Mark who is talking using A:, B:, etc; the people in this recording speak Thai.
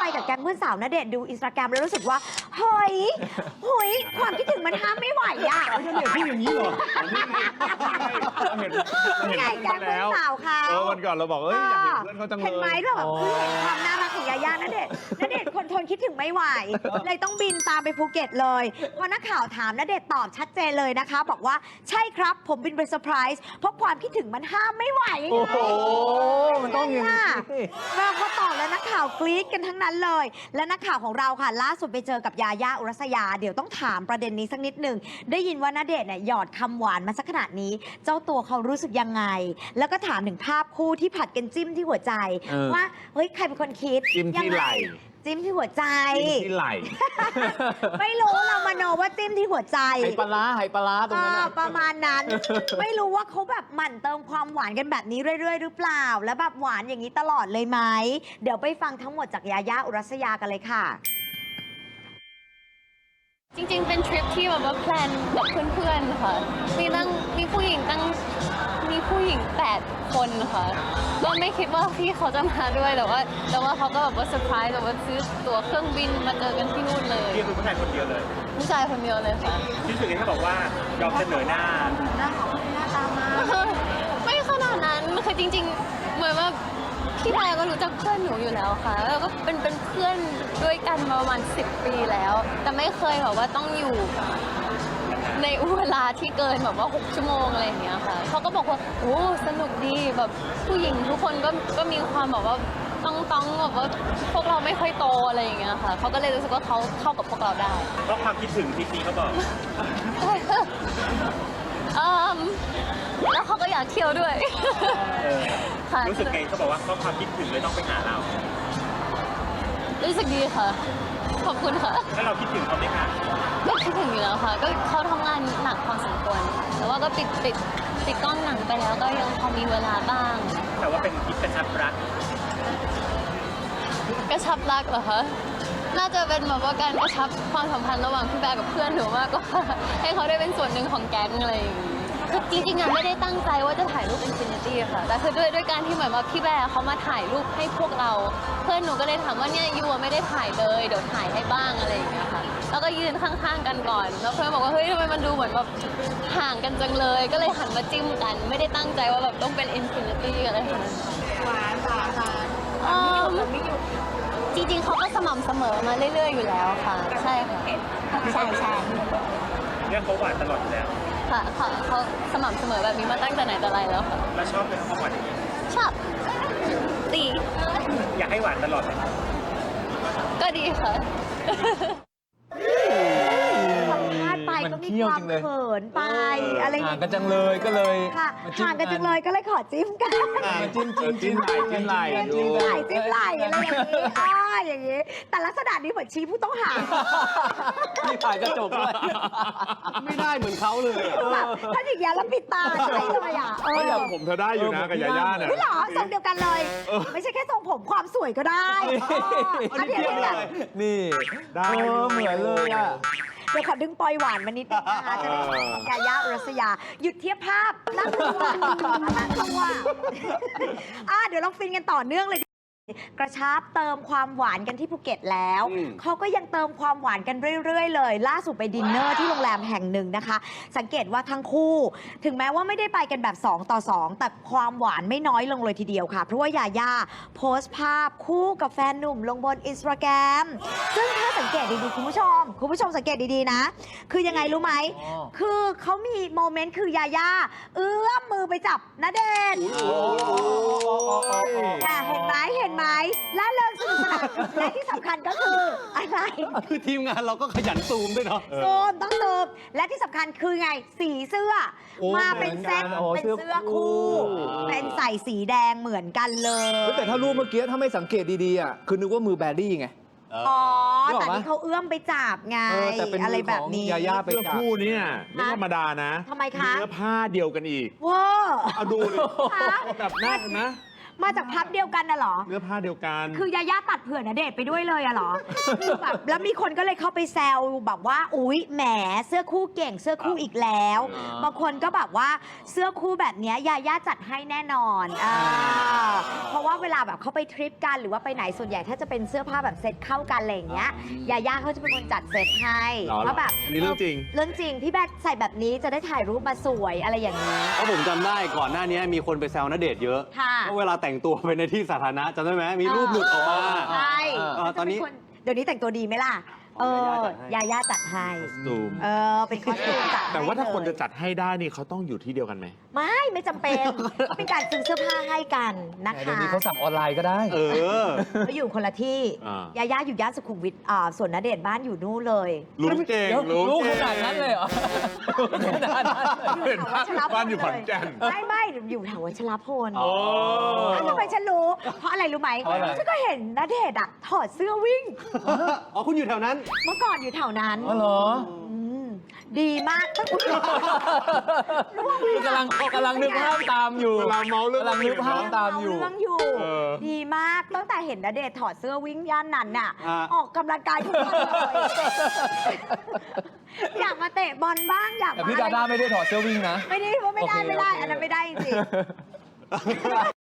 A: กับแก๊งเพื่อนสาวณเดชน์ดูอินสตาแกรมแล้วรู้สึกว่าเฮ้ยความคิดถึงมันห้ามไม่ไหวอ่ะ
B: ณเดชน์พูดอย่างนี้เหรอ
A: นี่ไงแก๊งเพื่อนสาวเขา
B: วันก่อนเราบอกอยากเห็นเพื่อนเขาจังเลย
A: เห็นไหมเราแบบเห็นความน่ารักของยาย่าณเดชน์คนทนคิดถึงไม่ไหวเลยต้องบินตามไปภูเก็ตเลยพอนักข่าวถามณเดชน์ตอบชัดเจนเลยนะคะบอกว่าใช่ครับผมบินไปเซอร์ไพรส์เพราะความคิดถึงมันห้ามไม่ไหว
C: โอ้โหมันต้องอย่างนี้
A: เราพอตอบแล้วนักข่าวกรี๊ดกันทั้งนั้นเลย และนักข่าวของเราค่ะล่าสุดไปเจอกับยาย่าอุรัสยาเดี๋ยวต้องถามประเด็นนี้สักนิดหนึ่งได้ยินว่าณเดชน์เนี่ยหยอดคำหวานมาสักขนาดนี้ เจ้าตัวเขารู้สึกยังไง แล้วก็ถามถึงภาพคู่ที่ผัดกันจิ้มที่หัวใจว่าเฮ้ยใครเป็นคนคิด
B: จิ้มที่ไหล่
A: จิ้มที่หัวใจ
B: จิ้มที่ไหล่
A: ไม่รู้เรามโนว่าจิ้มที่หัวใจ
C: ไหปลาตรงนั้นน่ะ
A: ประมาณนั้น ไม่รู้ว่าเขาแบบหมั่นเติมความหวานกันแบบนี้เรื่อยๆหรือเปล่า แล้วแบบหวานอย่างนี้ตลอดเลยไหมเดี๋ยวไปฟังทั้งหมดจากยาย่าอุรัสยากันเลยค่ะ
D: จริงๆ เป็นทริปที่แบบว่าแพลนกับเพื่อนๆ ค่ะ มีผู้หญิง8 คนค่ะ ก็ไม่คิดว่าพี่เขาจะมาด้วย แต่ว่าเขาก็แบบว่าเซอร์ไพรส์แบบว่าซื้อตั๋วเครื่องบินมาเจอกันที่นู่นเลย
E: พี่คือผู้ชายคนเดียวเลย
D: ผู้ชายคนเดียวเลยค่ะ
E: ที่สุดที่บอกว่ายอมเสนอหน้า
D: ไม่ขนาดนั้นคือจริงๆ เหมือนว่าพี่แพรก็รู้จักเพื่อนหนูอยู่แล้วค่ะแล้วก็เป็นเพื่อนด้วยกันมาประมาณ10 ปีแล้ว แต่ไม่เคยแบบว่าต้องอยู่ในเวลาที่เกินแบบว่า6 ชั่วโมงอะไรอย่างเงี้ยค่ะเขาก็บอกว่าโอ้สนุกดีแบบผู้หญิงทุกคนก็มีความแบบว่าต้องแบบว่าพวกเราไม่ค่อยโตอะไรอย่างเงี้ยค่ะเขาก็เลยรู้สึกว่าเขาเข้ากับพวกเราได้
E: เพราะความคิดถึงที่พี่เขาบอก
D: แล้วเขาก็อยากเที่ยวด้วย ค่ะ
E: รู้สึกไงเขาบอกว่าเพราะความคิดถึงเลยต้องไปหาเรา
D: รู้สึกดีค่ะ ขอบคุณค่ะ
E: แล้วเราคิดถึงเขาไหมคะ
D: ก็คิดถึงอยู่แล้วค่ะ ก็เขาทำงานหนักพอสมควร แต่ว่าก็ปิดกล้องหนังไปแล้วก็ยังพอมีเวลาบ้าง
E: แต่ว่าเป็นทริปกระชับรัก
D: กระชับรักเหรอคะ น่าจะเป็นแบบว่าการกระชับความสัมพันธ์ระหว่างพี่แบร์กับเพื่อนหนูมากกว่า ให้เขาได้เป็นส่วนหนึ่งของแก๊งอะไรอย่างงี้คือจริงๆอะไม่ได้ตั้งใจว่าจะถ่ายรูปอินฟินิตี้ค่ะ แต่คือด้วยการที่เหมือนว่าพี่แบร์เขามาถ่ายรูปให้พวกเรา เพื่อนหนูก็เลยถามว่าเนี่ยยูไม่ได้ถ่ายเลยเดี๋ยวถ่ายให้บ้างอะไรอย่างเงี้ยค่ะ แล้วก็ยืนข้างๆกันก่อน แล้วเพื่อนบอกว่าเฮ้ยทำไมมันดูเหมือนแบบห่างกันจังเลย ก็เลยหันมาจิ้มกัน ไม่ได้ตั้งใจว่าแบบต้องเป็นอินฟินิตี้อะไรค่ะหวานจริงๆเขาก็สม่ำเสมอมาเรื่อยๆอยู่แล้วค่ะ ใช่ค่ะใช่
E: เนี่ยเขาหวานตลอดอยู่แล้ว
D: ค่ะเขาสม่ำเสมอแบบนี้มาตั้งแต่ไหนแต่ไรแล้วค่ะ
E: แล้วชอบเป็นเขาหวานอย่างนี้
D: ชอบตี
E: อยากให้หวานตลอดเลย
D: ก็ดีค่ะ
A: สัมภาษณ์ไปก็มีความเขินไปอะไรอย่าง
C: ห่าง
A: เงี้ย
C: กันจังเลยก็เลย
A: ค่ะห่างกันจังเลยก็เลยขอจิ้มกัน
C: จิ้มไหล่จิ้มไหล่
A: จิ้มไหล่จิ้มไหล่อะไรอย่างนี้อย่างนี้ แต่ลักษณะนี้เหมือนชี้ผู้ต้องหา
C: มีถ่ายกระจกด้วยไม่ได้เหมือนเขาเลยอะ
A: แบบถ้าอย่างนี้ยแล้วปิดตาใช่เลยอ่ะ
B: แต่ผมเธอได้อยู่นะกับยาย่าเนี่ย
A: ไม่หรอทรงเดียวกันเลย ไม่ใช่แค่ทรงผมความสวยก็ได้อันนี้แบบ
C: นี่
B: ได้
C: เหมือนเลยอ่ะ
A: เดี๋ยวขอดึงปอยหวานมานิดนึงนะคะจะได้เห็นยาย่าอุรัสยาหยุดเทียบภาพนั่งตัวนั่งตัวเดี๋ยวลองฟินกันต่อเนื่องเลย กระชับเติมความหวานกันที่ภูเก็ตแล้วเขาก็ยังเติมความหวานกันเรื่อยๆเลยล่าสุดไปดินเนอร์ที่โรงแรมแห่งหนึ่งนะคะสังเกตว่าทั้งคู่ถึงแม้ว่าไม่ได้ไปกันแบบ2 ต่อ 2แต่ความหวานไม่น้อยลงเลยทีเดียวค่ะเพราะว่ายาย่าโพสต์ภาพคู่กับแฟนหนุ่มลงบน Instagram ซึ่งถ้าสังเกตดีๆคุณผู้ชมสังเกตดีๆนะคือยังไงรู้ไหมคือเขามีโมเมนต์คือยาย่าเอื้อมมือไปจับณเดชน์เห็นไหมและเลิกสนุกสนานและที่สำคัญก็คืออะไร
C: คือทีมงานเราก็ขยันซูมด้วยเนาะ
A: ซูมต้องซูมและที่สำคัญคือไงสีเสื้อ มาเป็นเซ็ตเป็นเสื้อคู่เป็นใส่สีแดงเหมือนกันเลย
C: แต่ถ้ารูปเมื่อกี้ถ้าไม่สังเกตดีๆอ่ะคือนึกว่ามือแบรี่ไง
A: อ๋อแต่นี่เขาเอื้อมไปจับไง
C: แต่เป็น
A: อะไรแบบนี้
C: ยาย่าไป
B: เสื้อ
C: จับ
B: คู่เนี่ยไม่ธรรมดานะ
A: ทำไมคะ
B: เนื้อผ้าเดียวกันอีก
A: ว้า
B: เอาดูดิแบบนั่นนะ
A: มาจากพับเดียวกันน่ะเหรอ
B: เนื้อผ้าเดียวกัน
A: คือยาย่าตัดเผื่อณเดชน์ไปด้วยเลยอะเหรอ คือแบบแล้วมีคนก็เลยเข้าไปแซวแบบว่าอุ๊ยแหมเสื้อคู่เก่งเสื้อคู่อีกแล้ว บางคนก็แบบว่าเสื้อคู่แบบเนี้ยยาย่าจัดให้แน่นอนเพราะว่าเวลาแบบเขาไปทริปกันหรือว่าไปไหนส่วนใหญ่ถ้าจะเป็นเสื้อผ้าแบบเซ็ตเข้ากันอะไรอย่างเงี้ยยาย่าเขาจะเป็นคนจัดเซ็ตให้
B: อ๋อ
A: ว่าแบบ
B: อันนี้เรื่องจริง
A: เรื่องจริงพี่แบ๊กใส่แบบนี้จะได้ถ่ายรูปมาสวยอะไรอย่างนี้
C: เพราะผมจำได้ก่อนหน้านี้มีคนไปแซวณเดชน์เยอะ
A: ค่ะ
C: ว่าเวลาแต่งตัวไปในที่สาธารณะจำได้ไหมมีรูปหลุดออกมา
A: ใช่
C: ตอนนี้
A: เดี๋ยวนี้แต่งตัวดีไหมล่ะ ยาย่าจัดให้
B: ซูม
A: เป็นคอสตูมจัดให้
B: แต่ว่าถ้าคน
A: เลย
B: จะจัดให้ได้นี่เขาต้องอยู่ที่เดียวกันไหม
A: ไม่จำเป็นก็เป็นการซื้อเสื้อผ้าให้กันนะ
F: เดี๋ยว
A: คะ
F: นี้เขาสั่งออนไลน์ก็ได้
A: ก็อยู่คนละที่
B: อ่า
A: ยาย่าอยู่ย่านสุขุมวิทส่วนณเดชน์บ้านอยู่นู่นเลย
B: รู้เก่ง
F: เดี๋ยว
B: รู้
F: รู้
B: เก่
F: ข
B: ง
F: นาดนั้นเลยเหรอรู้ขนาดนั้นเลย
B: เห็นบ้านอยู่ขอนแก่น
A: ไม่อยู่แถววัชรพล
B: โอ้
A: ทำไมฉันรู้ เพราะอะไรรู้ไหม
F: เพราะอะไร
A: ฉันก็เห็นณเดชน์อะถอดเสื้อวิ่ง
C: อ๋อคุณอยู่แถวนั้น
A: เมื่อก่อนอยู่แถวนั้น
F: อ๋อเหรอ
A: มดีมากตั้งแต่ร่วงเลย
F: กำลังนึกภาพตามอยู่
B: เวลาเมาเรื่อง
F: กำลังนึกภาพตามอยู่
A: เรื่องอยู่
B: เออ
A: ดีมากตั้งแต่เห็นณเดชน์ถอดเสื้อวิ่งย่านนั้นน่ะ
C: อ่า
A: ออกกำลังกายทุกวันเลย อยากมาเตะบอลบ้างอยาก
F: แต่
A: มา
F: พี่ดาด้าไม่ได้ถอดเสื้อวิ่งนะ
A: ไม่ได้ว่าไม่ได้
F: โอเค
A: ไม่ได้
F: โอเค
A: อันนั้นไม่ได้จริงๆ